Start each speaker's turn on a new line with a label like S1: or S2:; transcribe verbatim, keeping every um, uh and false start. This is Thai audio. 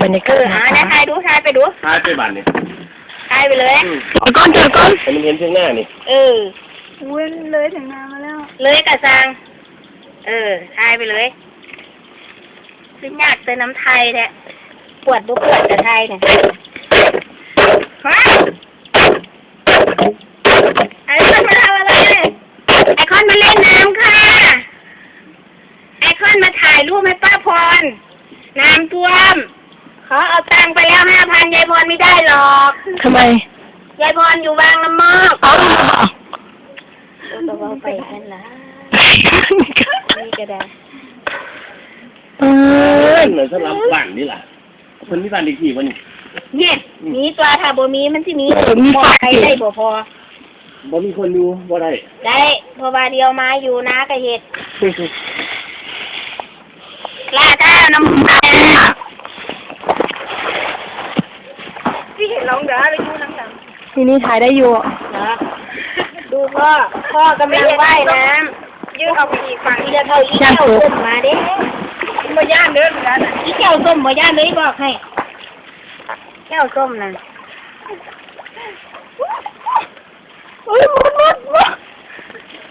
S1: บรรยากา
S2: เอ
S1: ศ
S2: อหาเนี่ยถ่ายดูถ่ายไปดู
S3: ทายไปบ้านนี่
S2: ถ่ายไปเลย
S1: เอาก้อนเจอก้อน
S3: ให้มันเห็นเพียงหน้านี่
S2: เออ
S4: เว้นเลยถึงนามาแล้ว
S2: เลยกระซังเออถ่ายไปเลยซึ่งยากเติมน้ำไทยแท้ปวดบุปวดกับไทยเนี่ยฮะไอคอนมาทำอะไรไอคอนมาเล่นน้ำค่ะไอคอนมาถ่ายรูปให้ป้าพรน้ำท่วมเขาเอาตังค์ไปแล้วห้าพันยายพรไม่ได้หรอก
S1: ทำไม
S2: ยายพรอยู่บางละมอก
S1: เอา
S2: ตัวเบาไปกันละนี่ก็ได้
S1: เอ
S3: เอ
S1: อ
S3: อเหมือนสลับบ้านนี่ล่ะคนมีบ้านเด็กที่วันนี้
S2: เนี่ยมีตัวถ้าบ่มีมันสิมี
S1: มี
S2: บอ
S1: ฝาก
S2: ใคร
S1: เก
S2: ได้บ่พอ
S3: บ่มีคนอยู่บ่ได้
S2: ได้เพราะว่าเดียวมาอยู่นะกะเฮ็ดลาดาน้ำตาล
S4: พี่เห็นลองเดี๋ยวไปดูน้ำด
S1: ทีนี้ถ่ายได้อยู่
S2: เหรอดูพ่อพ่อกำลังว่ายน้
S4: ำยืดเอาไปอีกฝั่ง
S2: ำอีจะเท่าอีแก้วส้มมาเด้
S4: มาย่านเดินกัน
S2: อีแก้วส้มบ่ย่านเลยบอกให้แก้วส้มน่ะ
S4: อุ้ยมุดมุดมุด